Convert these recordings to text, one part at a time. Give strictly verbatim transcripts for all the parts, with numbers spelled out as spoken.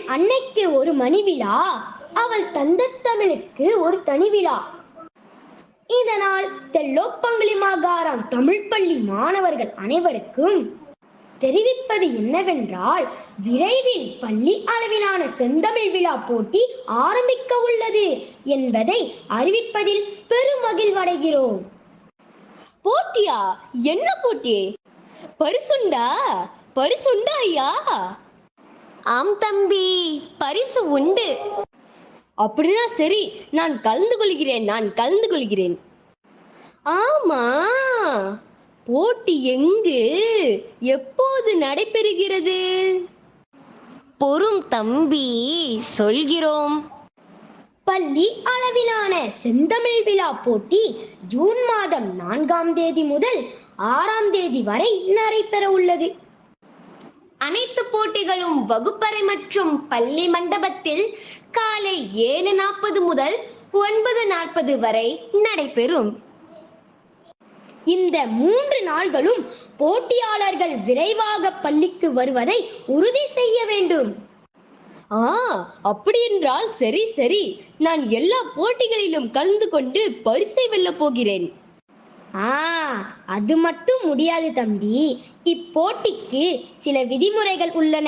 அன்னைக்கு ஒரு மணி விழா, அவள் தந்த தமிழுக்கு ஒரு தனி விழா. இதனால் தெல்லோப்பங்குளி மாகாணம் தமிழ் பள்ளி மாணவர்கள் அனைவருக்கும் தெரிவிப்பது என்னவென்றால், விரைவில் பள்ளி அளவிலான செந்தமிழ் விழா போட்டி ஆரம்பிக்க உள்ளது என்பதை அறிவிப்பதில் பெருமகிழ்வடைகிறோம். போட்டியா? என்ன போட்டி? பரிசுண்டா? பரிசுண்டா ஐயா? ஆம் தம்பி, பரிசு உண்டு. அப்படின்னா சரி, நான் கலந்து கொள்கிறேன் நான் கலந்து கொள்கிறேன் ஆமா, போட்டி எங்கு, எப்போது நடைபெறுகிறது? பொறும் தம்பி, சொல்கிறோம். பள்ளி அளவிலான செந்தமிழ் விழா போட்டி ஜூன் மாதம் நான்காம் தேதி முதல் ஆறாம் தேதி வரை நடைபெற உள்ளது. அனைத்து போட்டிகளும் வகுப்பறை மற்றும் பள்ளி மண்டபத்தில் காலை ஏழு நாற்பது முதல் ஒன்பது நாற்பது வரை நடைபெறும். இந்த மூன்று நாள்களும் போட்டியாளர்கள் விரைவாக பள்ளிக்கு வருவதை உறுதி செய்ய வேண்டும். ஆ, அப்படி என்றால் சரி சரி, நான் எல்லா போட்டிகளிலும் கலந்து கொண்டு பரிசை வெல்ல போகிறேன். ஆ, அது மட்டும் முடியாது தம்பி. இப்போட்டிக்கு சில விதிமுறைகள் உள்ளன.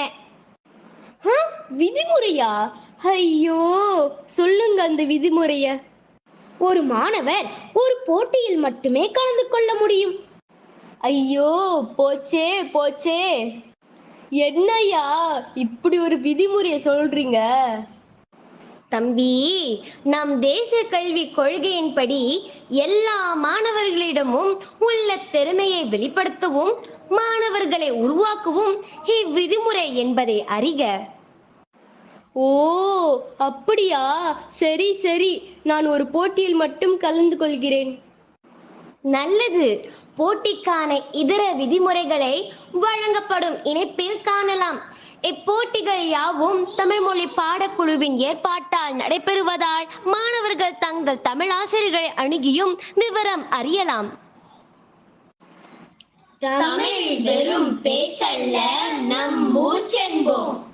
விதிமுறையா? ஐயோ, சொல்லுங்க அந்த விதிமுறைய. ஒரு மாணவர் ஒரு போட்டியில் மட்டுமே கலந்து கொள்ள முடியும். ஐயோ, போச்சே போச்சே, என்னையா இப்படி ஒரு விதிமுறைய சொல்றீங்க? தம்பி, நம் தேசிய கல்வி கொள்கையின்படி எல்லா மாணவர்களிடமும் உள்ள திறமையை வெளிப்படுத்தவும் மாணவர்களை உருவாக்கவும் இவ்விதிமுறை என்பதை அறிக. ஓ, அப்படியா? சரி சரி, நான் ஒரு போட்டியில் மட்டும் கலந்து கொள்கிறேன். நல்லது. போட்டிக்கான இதர விதிமுறைகளை வழங்கப்படும் இணைப்பில் காணலாம். இப்போட்டிகள் யாவும் தமிழ் மொழி பாடக்குழுவின் ஏற்பாட்டால் நடைபெறுவதால் மாணவர்கள் தங்கள் தமிழ் ஆசிரியர்களை அணுகியும் விவரம் அறியலாம். தமிழ் வெறும் பேச்சல்ல, நம் மூச்சென்போம்.